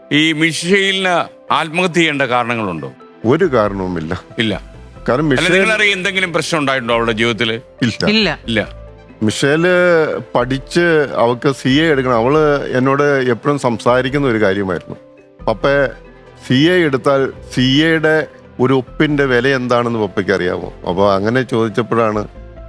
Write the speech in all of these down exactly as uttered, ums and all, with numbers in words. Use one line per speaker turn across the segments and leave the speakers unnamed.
ഈ മിഷേലിന് ആത്മഹത്യ ചെയ്യേണ്ട കാരണങ്ങളുണ്ടോ?
ഒരു കാരണവുമില്ല.
ഇല്ല.
കാരണം
നിങ്ങളറിയാം എന്തെങ്കിലും പ്രശ്നം ഉണ്ടായിട്ടുണ്ടോ അവളുടെ ജീവിതത്തിൽ?
ഇല്ല
ഇല്ല.
മിഷേല് പഠിച്ച് അവൾക്ക് സി എ എടുക്കണം. അവള് എന്നോട് എപ്പോഴും സംസാരിക്കുന്ന ഒരു കാര്യമായിരുന്നു, പപ്പ സി എ എടുത്താൽ സി എയുടെ ഒരു ഒപ്പിന്റെ വില എന്താണെന്ന് പപ്പയ്ക്ക് അറിയാമോ? അപ്പോൾ അങ്ങനെ ചോദിച്ചപ്പോഴാണ്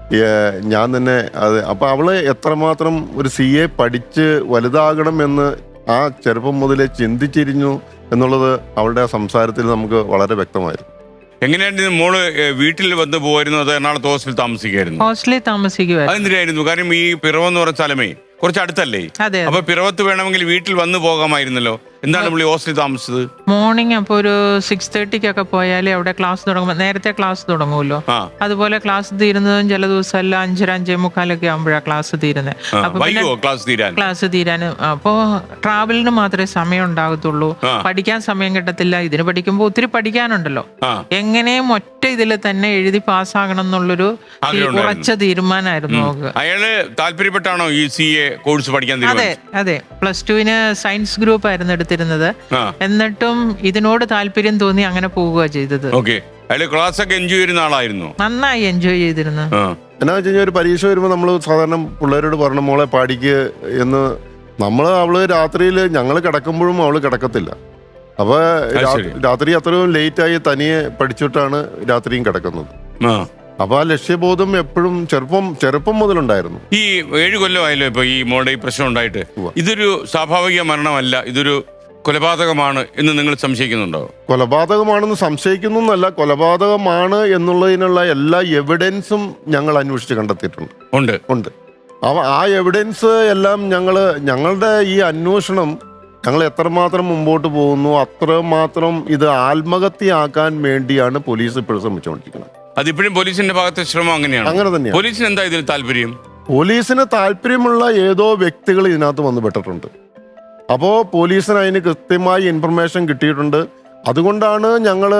ഞാൻ തന്നെ അത് അപ്പോൾ അവള് എത്രമാത്രം ഒരു സി എ പഠിച്ച് വലുതാകണം എന്ന് ആ ചെറുപ്പം മുതലേ ചിന്തിച്ചിരിഞ്ഞു എന്നുള്ളത് അവളുടെ സംസാരത്തിൽ നമുക്ക് വളരെ വ്യക്തമായിരുന്നു.
എങ്ങനെയായിരുന്നു മോള് വീട്ടിൽ വന്ന് പോയിരുന്നു, അത് എറണാകുളത്ത് ഹോസ്റ്റലിൽ താമസിക്കായിരുന്നു?
ഹോസ്റ്റലിൽ താമസിക്കുവായിരുന്നു.
അതെന്തിനായിരുന്നു? കാരണം ഈ പിറവെന്ന് പറഞ്ഞ സ്ഥലമേ കുറച്ച് അടുത്തല്ലേ, അപ്പൊ പിറവത്ത് വേണമെങ്കിൽ വീട്ടിൽ വന്ന് പോകാമായിരുന്നല്ലോ. എന്താണ് പുള്ളി ഹോസ്റ്റലിൽ താമസിച്ചത്?
മോർണിംഗ് അപ്പോൾ ഒരു സിക്സ് തേർട്ടിക്കൊക്കെ പോയാലേ അവിടെ ക്ലാസ് തുടങ്ങുമ്പോൾ നേരത്തെ ക്ലാസ് തുടങ്ങുമല്ലോ. അതുപോലെ ക്ലാസ് തീരുന്നതും ചില ദിവസം എല്ലാം അഞ്ചര അഞ്ചേ മുക്കാലൊക്കെ ആകുമ്പോഴാണ് ക്ലാസ് തീരുന്നത്. അപ്പൊ ക്ലാസ് തീരാനും അപ്പോൾ ട്രാവലിന് മാത്രമേ സമയം ഉണ്ടാകത്തുള്ളൂ, പഠിക്കാൻ സമയം കിട്ടത്തില്ല. ഇതിന് പഠിക്കുമ്പോൾ ഒത്തിരി പഠിക്കാനുണ്ടല്ലോ. എങ്ങനെയും ഒറ്റ ഇതിൽ തന്നെ എഴുതി പാസ്സാകണം എന്നുള്ളൊരു ഉറച്ച തീരുമാനമായിരുന്നു നമുക്ക്.
അയാള് താല്പര്യപ്പെട്ടാണോ ഈ സി എ കോഴ്സ് പഠിക്കാൻ?
അതെ അതെ, പ്ലസ് ടുവിന് സയൻസ് ഗ്രൂപ്പ് ആയിരുന്നു എടുത്തിരുന്നത്. എന്നിട്ടും ഇതിനോട് താല്പര്യം തോന്നി അങ്ങനെ പോവുക ചെയ്തത്.
ക്ലാസ് ഒക്കെ എൻജോയ് ചെയ്യുന്ന ആളായിരുന്നു,
നന്നായി എൻജോയ് ചെയ്തിരുന്നു.
എന്നാ വെച്ച് കഴിഞ്ഞാൽ ഒരു പരീക്ഷ വരുമ്പോൾ നമ്മൾ സാധാരണ പിള്ളേരോട് പറഞ്ഞ മോളെ പാടിക്ക് എന്ന് നമ്മൾ അവള് രാത്രിയിൽ ഞങ്ങൾ കിടക്കുമ്പോഴും അവള് കിടക്കത്തില്ല. അപ്പൊ രാത്രി അത്രയും ലേറ്റായി തനിയെ പഠിച്ചിട്ടാണ് രാത്രിയും കിടക്കുന്നത്. അപ്പൊ ആ ലക്ഷ്യബോധം എപ്പോഴും ചെറുപ്പം ചെറുപ്പം മുതലുണ്ടായിരുന്നു.
ഈ ഏഴ് കൊല്ലമായല്ലോ ഇപ്പൊ ഈ മോളുടെ ഈ പ്രശ്നം ഉണ്ടായിട്ട്. ഇതൊരു സ്വാഭാവിക മരണമല്ല, ഇതൊരു കൊലപാതകമാണ് എന്ന് നിങ്ങൾ സംശയിക്കുന്നുണ്ടോ?
കൊലപാതകമാണെന്ന് സംശയിക്കുന്നു എന്നല്ല, കൊലപാതകമാണ് എന്നുള്ളതിനുള്ള എല്ലാ എവിഡൻസും ഞങ്ങൾ അന്വേഷിച്ച് കണ്ടെത്തിയിട്ടുണ്ട്.
ഉണ്ട്
ഉണ്ട് അവ ആ എവിഡൻസ് എല്ലാം ഞങ്ങള് ഞങ്ങളുടെ ഈ അന്വേഷണം ഞങ്ങൾ എത്രമാത്രം മുമ്പോട്ട് പോകുന്നു അത്രമാത്രം ഇത് ആത്മഹത്യയാക്കാൻ വേണ്ടിയാണ് പോലീസ് ഇപ്പോഴും ശ്രമിച്ചുകൊണ്ടിരിക്കുന്നത്.
അതിപ്പോഴും പോലീസിന്റെ ഭാഗത്തെ ശ്രമം അങ്ങനെയാണ്.
അങ്ങനെ തന്നെയാണ്.
പോലീസിന് എന്താ ഇതിൽ താല്പര്യം?
പോലീസിന് താല്പര്യമുള്ള ഏതോ വ്യക്തികൾ ഇതിനകത്ത് വന്ന് പെട്ടിട്ടുണ്ട്. അപ്പോൾ പോലീസിന് അതിന് കൃത്യമായി ഇൻഫർമേഷൻ കിട്ടിയിട്ടുണ്ട്. അതുകൊണ്ടാണ് ഞങ്ങൾ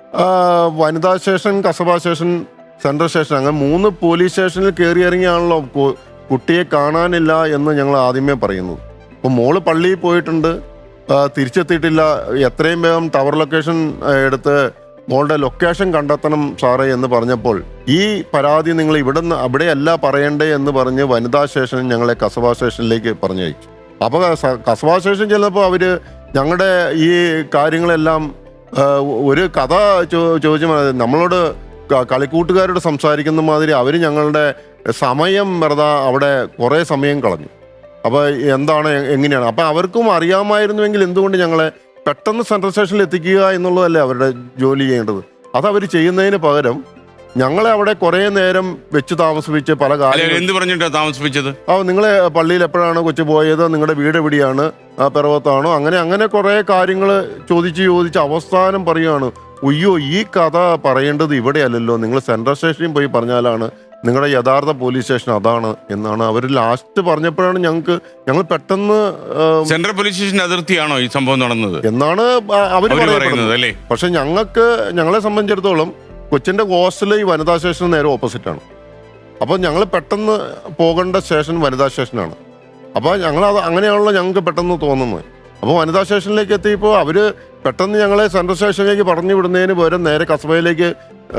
വനിതാ station, Kasaba station, central station അങ്ങനെ മൂന്ന് പോലീസ് സ്റ്റേഷനിൽ കയറി ഇറങ്ങിയാണല്ലോ കുട്ടിയെ കാണാനില്ല എന്ന് ഞങ്ങൾ ആദ്യമേ പറയുന്നത്. അപ്പോൾ മോള് പള്ളിയിൽ പോയിട്ടുണ്ട്, തിരിച്ചെത്തിയിട്ടില്ല. എത്രയും വേഗം ടവർ ലൊക്കേഷൻ എടുത്ത് മോളുടെ ലൊക്കേഷൻ കണ്ടെത്തണം സാറേ എന്ന് പറഞ്ഞപ്പോൾ ഈ പരാതി നിങ്ങൾ ഇവിടെ നിന്ന് അവിടെയല്ല പറയണ്ടേ എന്ന് പറഞ്ഞ് വനിതാ സ്റ്റേഷൻ ഞങ്ങളെ കസബ സ്റ്റേഷനിലേക്ക് പറഞ്ഞയച്ചു. അപ്പോൾ കസബ സ്റ്റേഷൻ ചെന്നപ്പോൾ അവര് ഞങ്ങളുടെ ഈ കാര്യങ്ങളെല്ലാം ഒരു കഥ ചോദിച്ചു നമ്മളോട് കളിക്കൂട്ടുകാരോട് സംസാരിക്കുന്ന മാതിരി അവർ ഞങ്ങളുടെ സമയം വെറുതെ അവിടെ കുറേ സമയം കളഞ്ഞു. അപ്പോൾ എന്താണ് എങ്ങനെയാണ് അപ്പം അവർക്കും അറിയാമായിരുന്നുവെങ്കിൽ എന്തുകൊണ്ട് ഞങ്ങളെ പെട്ടെന്ന് സെൻട്രൽ സ്റ്റേഷനിൽ എത്തിക്കുക എന്നുള്ളതല്ലേ അവരുടെ ജോലി ചെയ്യേണ്ടത്. അതവർ ചെയ്യുന്നതിന് പകരം ഞങ്ങളെ അവിടെ കുറെ നേരം വെച്ച് താമസിപ്പിച്ച് പല
കാര്യങ്ങളും താമസിപ്പിച്ചത്.
ആ നിങ്ങളെ പള്ളിയിൽ എപ്പോഴാണ് കൊച്ചു പോയത്, നിങ്ങളുടെ വീട് എവിടെയാണ്, പിറവത്താണോ, അങ്ങനെ അങ്ങനെ കുറെ കാര്യങ്ങൾ ചോദിച്ച് ചോദിച്ച് അവസാനം പറയുകയാണ്, ഒയ്യോ ഈ കഥ പറയേണ്ടത് ഇവിടെയല്ലല്ലോ, നിങ്ങൾ സെൻട്രൽ സ്റ്റേഷനിൽ പോയി പറഞ്ഞാലാണ് നിങ്ങളുടെ യഥാർത്ഥ പോലീസ് സ്റ്റേഷൻ അതാണ് എന്നാണ് അവർ ലാസ്റ്റ് പറഞ്ഞപ്പോഴാണ് ഞങ്ങൾക്ക് ഞങ്ങൾ പെട്ടെന്ന്
സെൻട്രൽ പോലീസ് സ്റ്റേഷൻ അതിർത്തിയാണോ ഈ സംഭവം നടന്നത്
എന്നാണ് അവർ പറയുന്നത്. പക്ഷെ ഞങ്ങൾക്ക് ഞങ്ങളെ സംബന്ധിച്ചിടത്തോളം കൊച്ചിന്റെ ഹോസ്റ്റൽ ഈ വനിതാ സ്റ്റേഷന് നേരെ ഓപ്പോസിറ്റ് ആണ്. അപ്പോൾ ഞങ്ങൾ പെട്ടെന്ന് പോകേണ്ട സ്റ്റേഷൻ വനിതാ സ്റ്റേഷനാണ്. അപ്പോൾ ഞങ്ങൾ അത് അങ്ങനെയാണല്ലോ ഞങ്ങൾക്ക് പെട്ടെന്ന് തോന്നുന്നത്. അപ്പോൾ വനിതാ സ്റ്റേഷനിലേക്ക് എത്തിയപ്പോൾ അവര് പെട്ടെന്ന് ഞങ്ങളെ സെൻട്രൽ സ്റ്റേഷനിലേക്ക് പറഞ്ഞു വിടുന്നതിന് പകരം നേരെ കസബയിലേക്ക്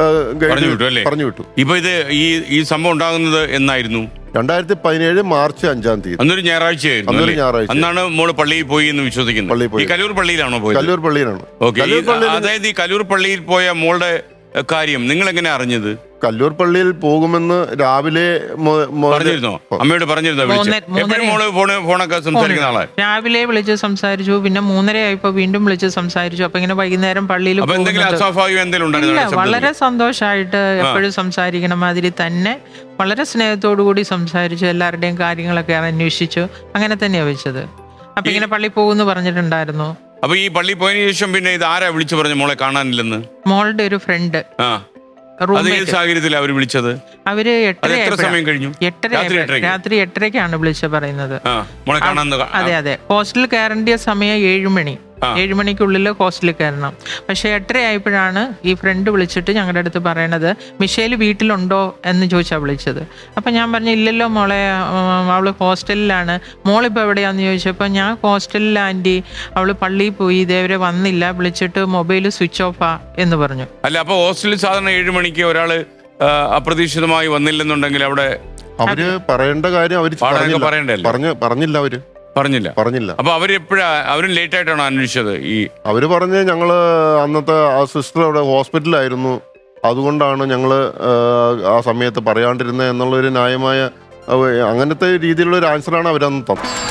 പറഞ്ഞു വിട്ടു.
ഇപ്പൊ ഇത് ഈ ഈ സംഭവം ഉണ്ടാകുന്നത് എന്നായിരുന്നു?
രണ്ടായിരത്തി പതിനേഴ് മാർച്ച് അഞ്ചാം തീയതി.
അന്നൊരു ഞായറാഴ്ചയായിരുന്നു.
അന്നൊരു ഞായറാഴ്ച.
അന്നാണ് മോള് പള്ളിയിൽ പോയി എന്ന് വിശ്വസിക്കുന്നു.
പള്ളിയിൽ പോയി.
കല്ലൂർ പള്ളിയിലാണോ പോയത്?
കല്ലൂർ പള്ളിയിലാണ്.
അതായത് ഈ കല്ലൂർ പള്ളിയിൽ പോയ മോളുടെ കാര്യം നിങ്ങൾ എങ്ങനെ അറിഞ്ഞത്?
കല്ലൂർ പള്ളിയിൽ പോകുമെന്ന് രാവിലെ
പറഞ്ഞിരുന്നോ? അമ്മയോട് പറഞ്ഞിരുന്നോ?
രാവിലെ വിളിച്ച് സംസാരിച്ചു, പിന്നെ മൂന്നര ആയപ്പോ വീണ്ടും വിളിച്ച് സംസാരിച്ചു. അപ്പൊ ഇങ്ങനെ വൈകുന്നേരം പള്ളിയിൽ വളരെ സന്തോഷമായിട്ട് എപ്പോഴും സംസാരിക്കണ മാതിരി തന്നെ വളരെ സ്നേഹത്തോടു കൂടി സംസാരിച്ചു. എല്ലാവരുടെയും കാര്യങ്ങളൊക്കെ അന്വേഷിച്ചു. അങ്ങനെ തന്നെയാ വെച്ചത്. അപ്പൊ ഇങ്ങനെ പള്ളി പോകുന്നു പറഞ്ഞിട്ടുണ്ടായിരുന്നു.
അപ്പൊ ഈ പള്ളി പോയതിനു ശേഷം പിന്നെ ഇത് ആരാ വിളിച്ചു പറഞ്ഞു മോളെ കാണാനില്ലെന്ന്?
മോളുടെ ഒരു ഫ്രണ്ട്.
സാഹചര്യത്തിൽ അവർ വിളിച്ചത്
അവര്
എത്ര സമയം കഴിഞ്ഞു?
രാത്രി എട്ടരക്കാണ് വിളിച്ച പറയുന്നത്. അതെ അതെ, ഹോസ്റ്റലിൽ കയറേണ്ട സമയം ഏഴു മണി. ഏഴ് മണിക്കുള്ളിൽ ഹോസ്റ്റലിൽ കയറണം. പക്ഷേ എട്ടര ആയപ്പോഴാണ് ഈ ഫ്രണ്ട് വിളിച്ചിട്ട് ഞങ്ങളുടെ അടുത്ത് പറയണത് മിഷേൽ വീട്ടിലുണ്ടോ എന്ന് ചോദിച്ചാൽ വിളിച്ചത്. അപ്പം ഞാൻ പറഞ്ഞു ഇല്ലല്ലോ മോളെ, അവൾ ഹോസ്റ്റലിലാണ്. മോളിപ്പോൾ എവിടെയാണെന്ന് ചോദിച്ചപ്പോൾ ഞാൻ ഹോസ്റ്റലിൽ ആൻറ്റി, അവൾ പള്ളിയിൽ പോയി, ഇതേവരെ വന്നില്ല, വിളിച്ചിട്ട് മൊബൈൽ സ്വിച്ച് ഓഫാ എന്ന് പറഞ്ഞു.
അല്ല, അപ്പോൾ ഹോസ്റ്റലിൽ സാധാരണ ഏഴ് മണിക്ക് ഒരാൾ അപ്രതീക്ഷിതമായി വന്നില്ലെന്നുണ്ടെങ്കിൽ അവിടെ
അവര് പറയേണ്ട കാര്യം അവര്
പാടൊക്കെ പറയണ്ടല്ലോ.
പറഞ്ഞ പറഞ്ഞില്ല അവര്
പറഞ്ഞില്ല
പറഞ്ഞില്ല
അപ്പൊ അവര് എപ്പോഴാ അവരും ലേറ്റ് ആയിട്ടാണോ അന്വേഷിച്ചത്? ഈ
അവര് പറഞ്ഞ് ഞങ്ങള് അന്നത്തെ ആ സിസ്റ്റർ അവിടെ ഹോസ്പിറ്റലായിരുന്നു, അതുകൊണ്ടാണ് ഞങ്ങള് ആ സമയത്ത് പറയാണ്ടിരുന്നത് എന്നുള്ളൊരു ന്യായമായ അങ്ങനത്തെ രീതിയിലുള്ള ഒരു ആൻസറാണ് അവരന്ന് തന്നത്.